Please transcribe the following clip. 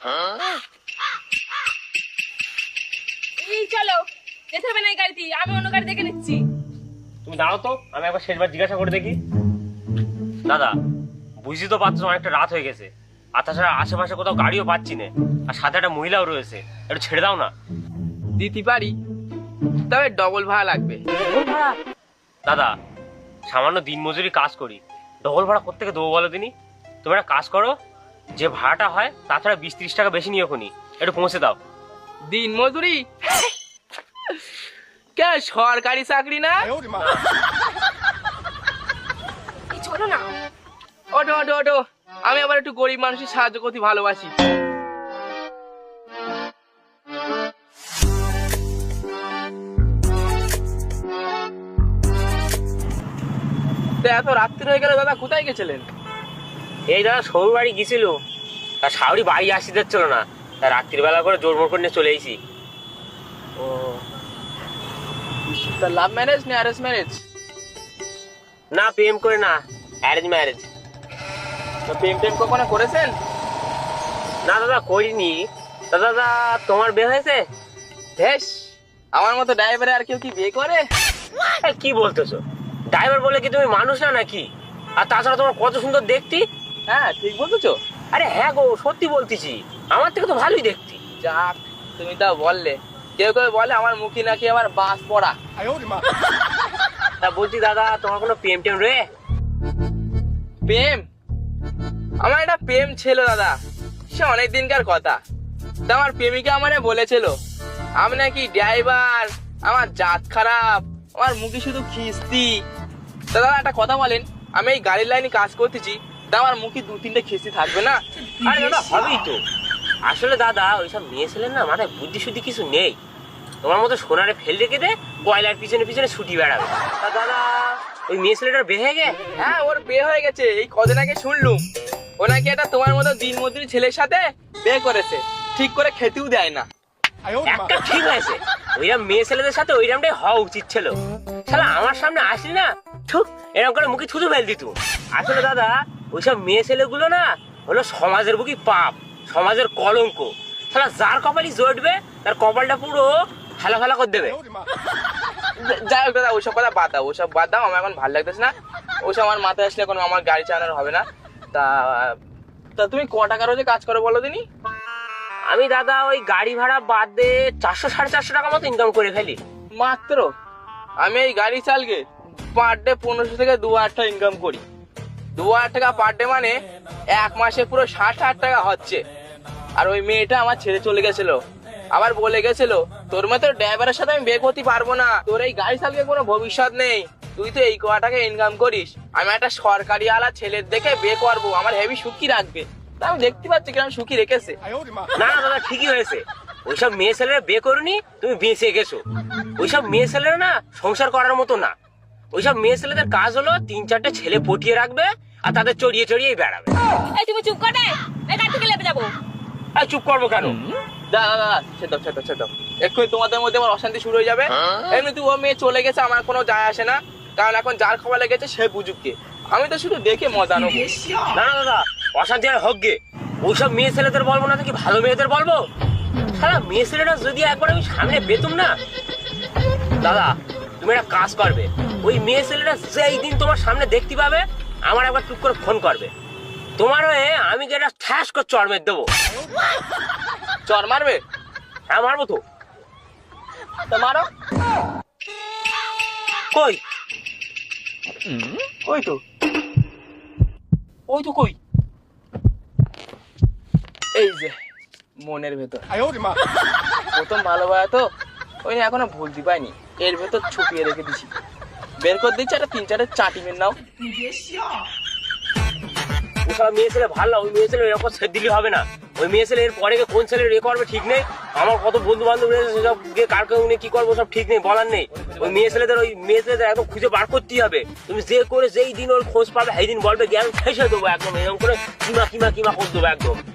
এই চলো, যেতে হবে না এই গাড়িতে, আমি অন্য গাড়ি দেখে নিচ্ছি। তুমি দাঁড়াও তো, আমি একবার শেষবার জিজ্ঞাসা করে দেখি। দাদা, বুঝি তো পাচ্ছ অনেকটা রাত হয়ে গেছে, আর তাছাড়া আশেপাশে কোথাও গাড়িও পাচ্ছি না, আর সাথে একটা মহিলাও রয়েছে, একটু ছেড়ে দাও না। দিতে পারি, তবে ডবল ভাড়া লাগবে। দাদা, সামান্য দিনমজুরি কাজ করি, ডবল ভাড়া কোত্থেকে দেবো বলো দিনই? তুমি একটা কাজ করো, যে ভাড়াটা হয় তাছাড়া 20-30 টাকা বেশি নিও খুনি, একটু পৌঁছে দাও। দিন মজুরি কে সরকারি চাকরি না? এই চলো না। ওঠো ওঠো ওঠো, আমি আবার একটু গরিব মানুষের সাহায্য করতে ভালোবাসি। তো এত রাত্রি হয়ে গেল দাদা, কোথায় গেছিলেন? এই দাদা সৌর বাড়ি গেছিল, তার শাওরি বাড়ি আসতে যাচ্ছিল না, তার রাত্রিবেলা করে জোর মোড় করে নিয়ে চলে এসেছি। ও, তা লাভ ম্যারেজ না অ্যারেঞ্জ ম্যারেজ? না, প্রেম করে না, অ্যারেঞ্জ ম্যারেজ। তো প্রেম টেম কখনো করেছেন? না দাদা, করিনি। দাদা, তোমার বিয়ে হয়েছে? বেশ, আমার মতো ড্রাইভারে আর কেউ কি বিয়ে করে? কি বলতেছো? ড্রাইভার বলে কি তুমি মানুষ না নাকি? আর তাছাড়া তোমার কত সুন্দর দেখতি। হ্যাঁ, ঠিক বলতেছো। আরে হ্যাঁ গো, সত্যি বলতেছি, আমার থেকে তো ভালোই দেখতি। যাক, তুমি তা বললে। কেউ কেউ বলে আমার মুখে নাকি আমার বাস পড়া। তা বলছি দাদা, তোমার কোনো প্রেম টেম রে? প্রেম? আমার একটা প্রেম ছিল দাদা, সে অনেক দিনকার কথা। তা আমার প্রেমিকা আমারে বলেছিল আমি নাকি ড্রাইভার, আমার জাত খারাপ, আমার মুখে শুধু খিস্তি। তা দাদা একটা কথা বলেন, আমি এই গাড়ির লাইনে কাজ করতেছি, তা আমার মুখে 2-3টে খিস্তি থাকবে না? আরে দাদা, হবেই তো। আসলে দাদা, ওইসব মেয়ে ছেলের না মাথায় বুদ্ধি শুদ্ধি কিছু নেই, তোমার মতো সোনারে ফেল রেখে দে কয়লার পিছনে পিছনে ছুটি বেড়াবে। তা দাদা, ওই মেয়ে ছেলেটার বিয়ে হয়ে গে? হ্যাঁ, ওর বিয়ে হয়ে গেছে, এই কদিন আগে শুনলুম। ও নাকি একটা তোমার মতো দিনমজুরি ছেলের সাথে বিয়ে করেছে, ঠিক করে খেতেও দেয় না। একটা ঠিক হয়েছে, ওইরকম মেয়ে ছেলেদের সাথে ওইরকমটাই হওয়া উচিত ছিল। শালা আমার সামনে আসলি না, ছুক এরকম করে মুখে থুতু ফেল দিত। আসলে দাদা, ওইসব মেয়ে ছেলেগুলো না হলো সমাজের বুকি পাপ, সমাজের কলঙ্ক। শালা যার কপালই জড়বে তার কপালটা পুরো ফেলা ফেলা করে দেবে। যাই হোক দাদা, ওইসব কথা বাদ দাও, ওসব বাদ দাও, আমার এখন ভালো লাগতেছে না। ওইসব আমার মাথায় আসলে এখন আমার গাড়ি চালানোর হবে না। তা তা তুমি ক টাকা রোজে কাজ করো বলো দিনি? আমি দাদা ওই গাড়ি ভাড়া বাদ দিয়ে 400-450 টাকা মতো ইনকাম করে ফেলি। মাত্র? আমি এই গাড়ি চালকে পার ডে 1500 থেকে 2000 টাকা ইনকাম করি। 2000 টাকা পার ডে মানে এক মাসে পুরো 60,000 টাকা হচ্ছে। আর ওই মেয়েটা আমার ছেড়ে চলে গেছিল, আবার বলে গেছিল তোর মতো ড্রাইভারের সাথে আমি বিয়ে করতে পারবো না, তোর এই গাড়ি চালকে কোনো ভবিষ্যৎ নেই, তুই তো এই কয় টাকা ইনকাম করিস, আমি একটা সরকারি আলা ছেলের দেখে বিয়ে করবো, আমার হেভি সুখী রাখবে। তা আমি দেখতে পাচ্ছি কিরম সুখী রেখেছে। না না দাদা, ঠিকই হয়েছে, ওইসব মেয়ে ছেলেরা বিয়ে করুনি, তুমি বেঁচে গেছো। ওইসব মেয়ে ছেলেরা না সংসার করার মতো না। ওইসব মেয়ে ছেলেদের কাজ হলো 3-4টে ছেলে পটিয়ে রাখবে আর তাদের চড়িয়ে চড়িয়ে বেড়াবে। এই তুমি চুপ করে, এই গাড়ি থেকে লেপে যাবো। আর চুপ করবো কেন? দাদা ছেদ এক্ষুনি তোমাদের মধ্যে আমার অশান্তি শুরু হয়ে যাবে। এমনি ও মেয়ে চলে গেছে, আমার কোনো যায় আসে না, কারণ এখন যার খবর লেগেছে সে বুঝুককে, আমি তো শুধু দেখে মজা নেবো। না না দাদা, অশান্তি আর হোক গে, ওইসব মেয়ে ছেলেদের বলবো না নাকি ভালো মেয়েদের বলবো? সারা মেয়ে ছেলেরা যদি একবার আমি সামনে পেতুম না দাদা, তুমি একটা কাজ করবে, ওই মেয়ে ছেলেরা যেই দিন তোমার সামনে দেখতে পাবে আমার একবার টুক করে ফোন করবে, তোমার হয়ে আমি যেটা ঠ্যাস করে চড় মেরে দেবো। চর মারবে? হ্যাঁ মারবো তো। তা মারো। কই ওই তো কই, এই যে মনের ভেতর। প্রথম ভালোবাসা তো, ওই নিয়ে এখনো ভুলতে পাইনি, এর ভেতর ছুপিয়ে রেখে দিছি, বের করে দিচ্ছি একটা 3-4 চাটি মেরে নাও। ওসব মেয়ে ছেলে ভালো না, ওই মেয়ে ছেলে এরকম ছেড়ে দিলে হবে না। ওই মেয়ে ছেলে এর পরে কোন ছেলে রে করবে ঠিক নেই, আমার কত বন্ধু বান্ধব রয়েছে সেসব গিয়ে কার কেউ কি করবো সব ঠিক নেই, বলার নেই। ওই মেয়ে ছেলেদের একদম খুঁজে বার করতেই হবে। তুমি যে করে যেই দিন ওর খোঁজ পাবে সেই দিন বলবে জ্ঞান শেষ হয়ে দেবো একদম, এরকম করে কিমা করে দেবো একদম।